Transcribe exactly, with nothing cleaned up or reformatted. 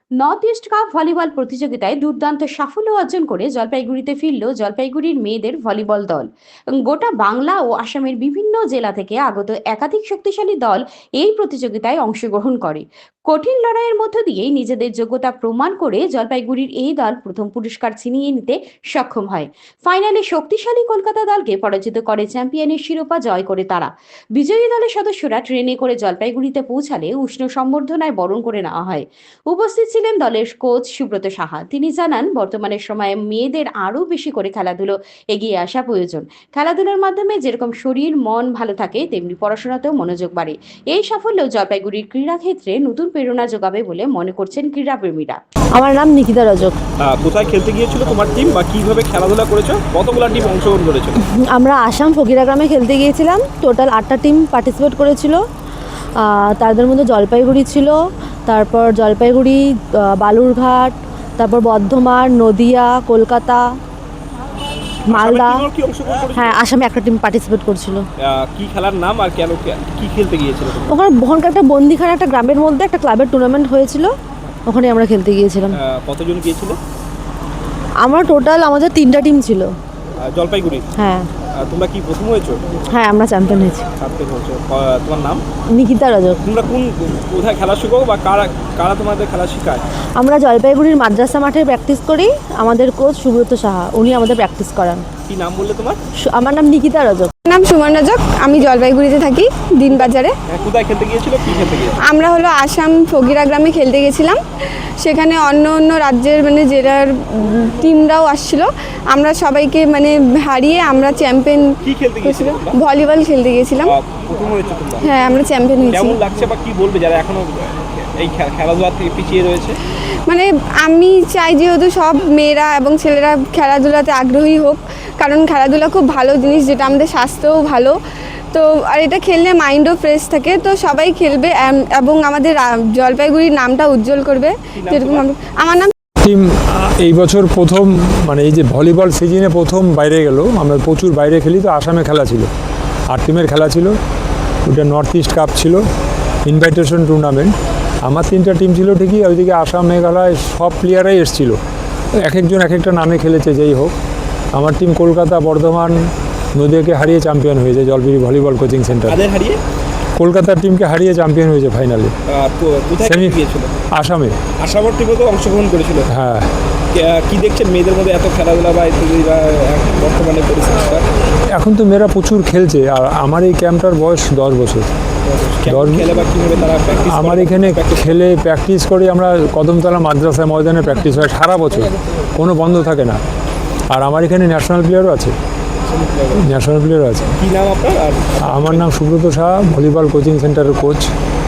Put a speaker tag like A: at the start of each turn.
A: North East cup volleyball প্রতিযোগিতায় দুর্দান্ত সাফল্য অর্জন করে জলপাইগুড়িতে ফিরল জলপাইগুড়ির মেয়েদের ভলিবল দল। গোটা বাংলা ও আসামের বিভিন্ন জেলা থেকে আগত একাধিক শক্তিশালী দল এই প্রতিযোগিতায় অংশগ্রহণ করে। কঠিন লড়াইয়ের মধ্য দিয়ে নিজেদের যোগ্যতা প্রমাণ করে জলপাইগুড়ির এই দল প্রথম পুরস্কার ছিনিয়ে নিতে সক্ষম হয়। ফাইনালে শক্তিশালী কলকাতা দলকে পরাজিত করে চ্যাম্পিয়নের শিরোপা জয় করে তারা। বিজয়ী দলের সদস্যরা ট্রেনে করে জলপাইগুড়িতে পৌঁছালে উষ্ণ সম্বর্ধনায় বরণ করে নেওয়া হয়। উপস্থিত ছিলেন দলের কোচ সুব্রত সাহা। তিনি জানান, বর্তমানের সময়ে মেয়েদের আরও বেশি করে খেলাধুলো এগিয়ে আসা প্রয়োজন। খেলাধুলার মাধ্যমে যেরকম শরীর মন ভালো থাকে, তেমনি পড়াশোনাতেও মনোযোগ বাড়ে। এই সাফল্য জলপাইগুড়ির ক্রীড়া ক্ষেত্রে নতুন প্রেরণা যোগাবে বলে মনে করছেন ক্রীড়াপ্রেমীরা।
B: আমার নাম নিকিতা রজক।
C: কোথায় খেলতে গিয়েছিল তোমার টিম, বা কিভাবে খেলাধুলা করেছো, কতগুলো টিম অংশগ্রহণ করেছিল?
B: আমরা আসাম ফকিরা গ্রামে খেলতে গিয়েছিলাম। টোটাল আটটা টিম পার্টিসিপেট করেছিল। তাদের মধ্যে জলপাইগুড়ি ছিল, তারপর জলপাইগুড়ি, বালুরঘাট, তারপর বর্ধমান, নদিয়া, কলকাতা, মালদা। হ্যাঁ, আসামে একটা টিম পার্টিসিপেট করছিল।
C: কি খেলার নাম আর কেন, কি খেলতে গিয়েছিল?
B: ওখানে ওখানকার একটা বন্দিখানা, একটা গ্রামের মধ্যে একটা ক্লাবের টুর্নামেন্ট হয়েছিল, ওখানে আমরা খেলতে গিয়েছিলাম।
C: কতজন গিয়েছিল?
B: আমরা টোটাল আমাদের তিনটা টিম ছিল।
C: জলপাইগুড়ি?
B: হ্যাঁ।
C: তোমরা কি প্রথম হয়েছো?
B: হ্যাঁ, আমরা চ্যাম্পিয়ন হয়েছি।
C: চ্যাম্পিয়ন হয়েছো। তোমার নাম?
B: নিকিতা রজক।
C: তোমরা কোন কোথায় খেলা শেখো, বা কারা কারা তোমাদের খেলা শেখায়?
B: আমরা জলপাইগুড়ির মাদ্রাসা মাঠে প্র্যাকটিস করি। আমাদের কোচ সুব্রত সাহা, উনি আমাদের প্র্যাকটিস করান।
C: কি নাম বললে তোমার?
B: আমার নাম নিকিতা রজক।
D: নাম সুমন রজক। আমি জলপাইগুড়িতে থাকি, দিনবাজারে।
C: কোথায় খেলতে গিয়েছিল, কি খেলতে গিয়েছিল?
D: আমরা হলো আসাম ফকিরা গ্রামে খেলতে গেছিলাম। সেখানে অন্য অন্য রাজ্যের মানে জেলার টিমরাও আসছিল। আমরা সবাইকে মানে হারিয়ে আমরা চ্যাম্পিয়ন।
C: কি খেলতে গিয়েছিল?
D: ভলিবল খেলতে গিয়েছিলাম।
C: প্রথম হয়েছে তোমরা?
D: হ্যাঁ, আমরা চ্যাম্পিয়ন হয়েছি।
C: কেমন লাগছে, বা কি বলবে যারা এখনো এই খেলাধুলা থেকে পিছিয়ে রয়েছে?
D: মানে আমি চাই যেহেতু সব মেয়েরা এবং ছেলেরা খেলাধুলাতে আগ্রহী হোক, কারণ খেলাধুলা খুব ভালো জিনিস, যেটা আমাদের স্বাস্থ্যও ভালো। তো আর এটা খেললে মাইন্ডও ফ্রেশ থাকে। তো সবাই খেলবে এবং আমাদের জলপাইগুড়ির নামটা উজ্জ্বল করবে। যেরকম আমার নাম
E: টিম এই বছর প্রথম, মানে এই যে ভলিবল সিজনে প্রথম বাইরে গেল। আমরা প্রচুর বাইরে খেলি, তো আসামে খেলা ছিল, আট টিমের খেলা ছিল। ওটা নর্থ ইস্ট কাপ ছিল, ইনভাইটেশন টুর্নামেন্ট। আমার তিনটা টিম ছিল ঠিকই, ওইদিকে আসাম মেঘালয় সব প্লেয়ারাই এসেছিলো, এক একজন এক একটা নামে খেলেছে। যেই হোক, আমার টিম কলকাতা, বর্ধমান, নদিয়াকে হারিয়ে চ্যাম্পিয়ন হয়েছে। জলপাইগুড়ি ভলিবল কোচিং সেন্টার
C: হারিয়ে
E: কলকাতার টিমকে হারিয়ে চ্যাম্পিয়ন হয়েছে ফাইনালে।
C: সেমি গিয়েছিল
E: আসামে।
C: আসামের টিমও তো অংশগ্রহণ করেছিল।
E: হ্যাঁ।
C: কি দেখছেন মেয়েদের মধ্যে এত খেলাধুলা বা বর্তমানে পরিস্থিতিটা?
E: এখন তো মেয়েরা প্রচুর খেলছে। আর আমার এই ক্যাম্পটার বয়স দশ বছর। আমার এখানে খেলে প্র্যাকটিস করি আমরা। কদমতলা মাদ্রাসা ময়দানে প্র্যাকটিস হয় সারা বছর, কোনো বন্ধ থাকে না। আর আমার এখানে ন্যাশনাল প্লেয়ারও আছে, ন্যাশনাল প্লেয়ারও আছে।
C: কি নাম আপনার?
E: আমার নাম সুব্রত সাহা, ভলিবল কোচিং সেন্টারের কোচ।